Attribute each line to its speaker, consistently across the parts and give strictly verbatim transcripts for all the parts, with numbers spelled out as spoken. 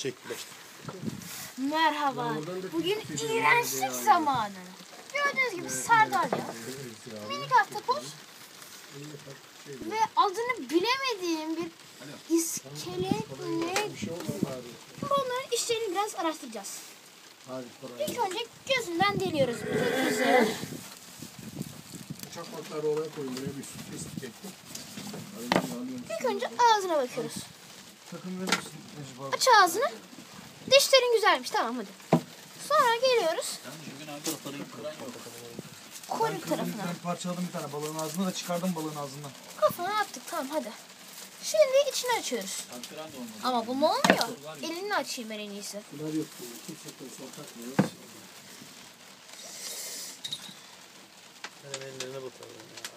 Speaker 1: Çektiler.
Speaker 2: Merhaba. Bugün iğrençlik zamanı. Gördüğünüz gibi sardalya, minik ahtapot ve adını bilemediğim bir iskelet ne? Bunların işlerini biraz araştıracağız. İlk önce gözünden deliyoruz. Güzel.
Speaker 3: Çakmakları oraya koyun, buraya bir süt kestik ettim.
Speaker 2: İlk önce ağzına bakıyoruz.
Speaker 3: Takım verir misin Necip abi?
Speaker 2: Aç ağzını. Dişlerin güzelmiş. Tamam hadi. Sonra geliyoruz kuyruk tarafına.
Speaker 3: Ben parçaladım bir tane balığın ağzına da çıkardım balığın ağzından.
Speaker 2: Kafana attık. Tamam hadi. Şimdi içini açıyoruz. Ama bu mu olmuyor? Elini açayım ben en iyisi.
Speaker 3: Bunlar yok. Kimse koysa takmıyor.
Speaker 1: Benim ellerine bakalım ya.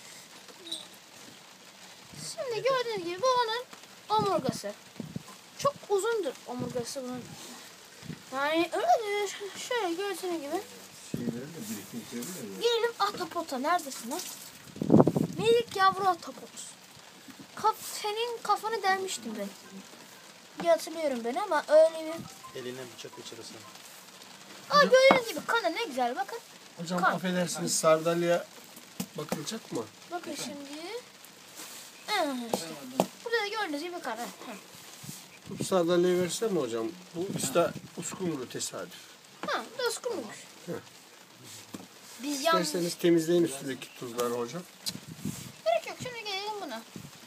Speaker 2: Şimdi gördüğünüz gibi bu onun omurgası. Çok uzundur omurgası bunun. Yani öyledir. Şöyle gördüğünüz gibi.
Speaker 3: Şeyleri de biriktikleri de yok.
Speaker 2: Gelelim ahtapota. Neredesin lan? Minik yavru ahtapot. Kaf, senin kafanı delmiştim ben. diye hatırlıyorum ben ama öyle bir...
Speaker 1: Eline bıçak geçirirsin.
Speaker 2: Aa gördüğünüz gibi kanı ne güzel bakın.
Speaker 3: Hocam
Speaker 2: Kan.
Speaker 3: affedersiniz, sardalya bakılacak mı?
Speaker 2: Bakın şimdi. Ee, işte. Burada da gördüğünüz gibi kan. Ha.
Speaker 3: Bu sardalyayı versene mi hocam? Bu işte uskumru tesadüf.
Speaker 2: Ha, bu da uskumruymuş.
Speaker 3: Heh.
Speaker 2: Biz yanlış...
Speaker 3: İsterseniz temizleyin üstündeki tuzları hocam.
Speaker 2: Gerek yok, şimdi gelelim buna.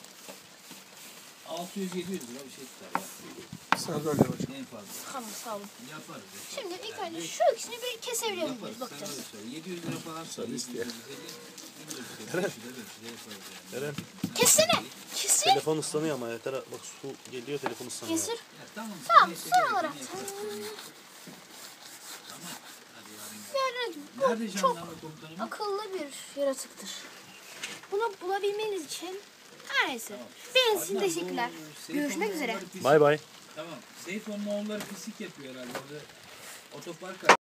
Speaker 4: altı yüz yedi yüz lira bir şey tutar ya.
Speaker 3: Sardalya hocam.
Speaker 4: En fazla.
Speaker 2: Tamam sağ olun.
Speaker 4: Yaparız.
Speaker 2: Şimdi ilk önce şu ikisini bir kesebilir miyiz?
Speaker 4: Yaparız.
Speaker 2: Bakacağız.
Speaker 4: Sen öyle söyle. yedi yüz lira falan söyle.
Speaker 3: isteyen.
Speaker 1: Eren. Eren.
Speaker 2: Kessene. Kesir.
Speaker 1: Telefon ıslanıyor ama yeter. Bak su geliyor, telefon ıslanıyor.
Speaker 2: Kesir.
Speaker 4: Tamam.
Speaker 2: Tamam,
Speaker 4: neyse,
Speaker 2: son
Speaker 4: gerek
Speaker 2: olarak.
Speaker 4: yok, yaparız. Tamam. Hadi yarın gel.
Speaker 2: Gördüğünüz gibi
Speaker 4: Nerede
Speaker 2: bu çok
Speaker 4: jandarma komutanım?
Speaker 2: akıllı bir yaratıktır. Bunu bulabilmeniz için her neyse. Benim için teşekkürler. Görüşmek üzere.
Speaker 1: Bay bay.
Speaker 4: Tamam. Seyfo'nun oğulları pislik yapıyor herhalde. Orada otopark